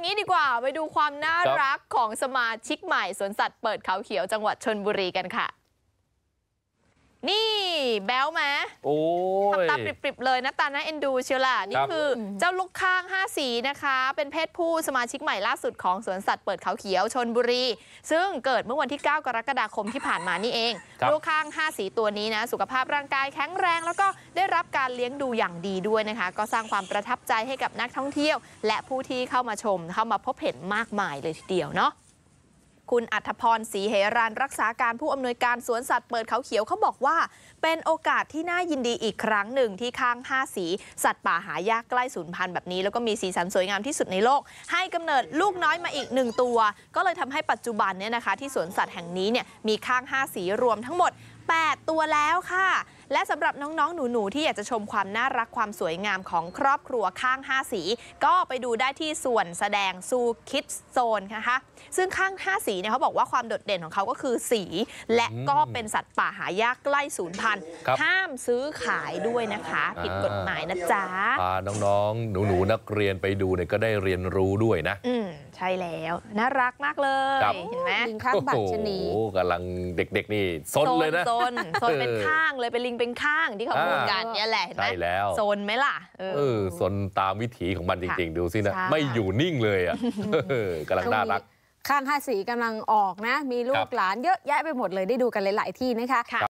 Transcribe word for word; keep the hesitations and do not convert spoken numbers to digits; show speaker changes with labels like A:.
A: งี้ดีกว่าไปดูความน่ารักของสมาชิกใหม่สวนสัตว์เปิดเขาเขียวจังหวัดชลบุรีกันค่ะนี่แบ๊วไหมโอ้ทำตาปริบๆเลยนะตาน่าเอ็นดูเชียวล่ะนี่คือเจ้าลูกข้างห้าสีนะคะเป็นเพศผู้สมาชิกใหม่ล่าสุดของสวนสัตว์เปิดเขาเขียวชลบุรีซึ่งเกิดเมื่อวันที่เก้ากรกฎาคมที่ผ่านมานี่เองลูกข้างห้าสีตัวนี้นะสุขภาพร่างกายแข็งแรงแล้วก็ได้รับการเลี้ยงดูอย่างดีด้วยนะคะก็สร้างความประทับใจให้กับนักท่องเที่ยวและผู้ที่เข้ามาชมเข้ามาพบเห็นมากมายเลยทีเดียวเนาะคุณอัธพรศรีเหรัญรักษาการผู้อำนวยการสวนสัตว์เปิดเขาเขียวเขาบอกว่าเป็นโอกาสที่น่ายินดีอีกครั้งหนึ่งที่ข้างห้าสีสัตว์ป่าหายากใกล้สูญพันธุ์แบบนี้แล้วก็มีสีสันสวยงามที่สุดในโลกให้กำเนิดลูกน้อยมาอีกหนึ่งตัวก็เลยทำให้ปัจจุบันเนี่ยนะคะที่สวนสัตว์แห่งนี้เนี่ยมีข้างห้าสีรวมทั้งหมดแปดตัวแล้วค่ะและสำหรับน้องๆหนูๆที่อยากจะชมความน่ารักความสวยงามของครอบครัวข้างห้าสีก็ไปดูได้ที่ส่วนแสดงซูคิดโซนนะคะซึ่งข้างห้าสีเนี่ยเขาบอกว่าความโดดเด่นของเขาก็คือสีและก็เป็นสัตว์ป่าหายากใกล้สูญพันธุ์ห้ามซื้อขายด้วยนะคะผิดกฎหมายนะจ๊ะ
B: พาน้องๆหนูๆนักเรียนไปดูเนี่ยก็ได้เรียนรู้ด้วยนะ
A: อืมใช่แล้วน่ารักมากเลยเห็นไหม
C: ลิงข้างบัตรชนี
B: โอ้กำลังเด็กๆนี่ซนเลยนะ
A: โซนโซนเป็นข้างเลยเป็นลิงเป็นข้างที่เขาพูดกันเนี่ยแหละเห็นไหม
B: ใช่แล้ว
A: โซนไหมล่ะ
B: เออโซนตามวิถีของมันจริงๆดูสินะไม่อยู่นิ่งเลยอ่ะกำลังน่ารัก
C: ข้างห้าสีกำลังออกนะมีลูกหลานเยอะแยะไปหมดเลยได้ดูกันหลายๆที่นะคะ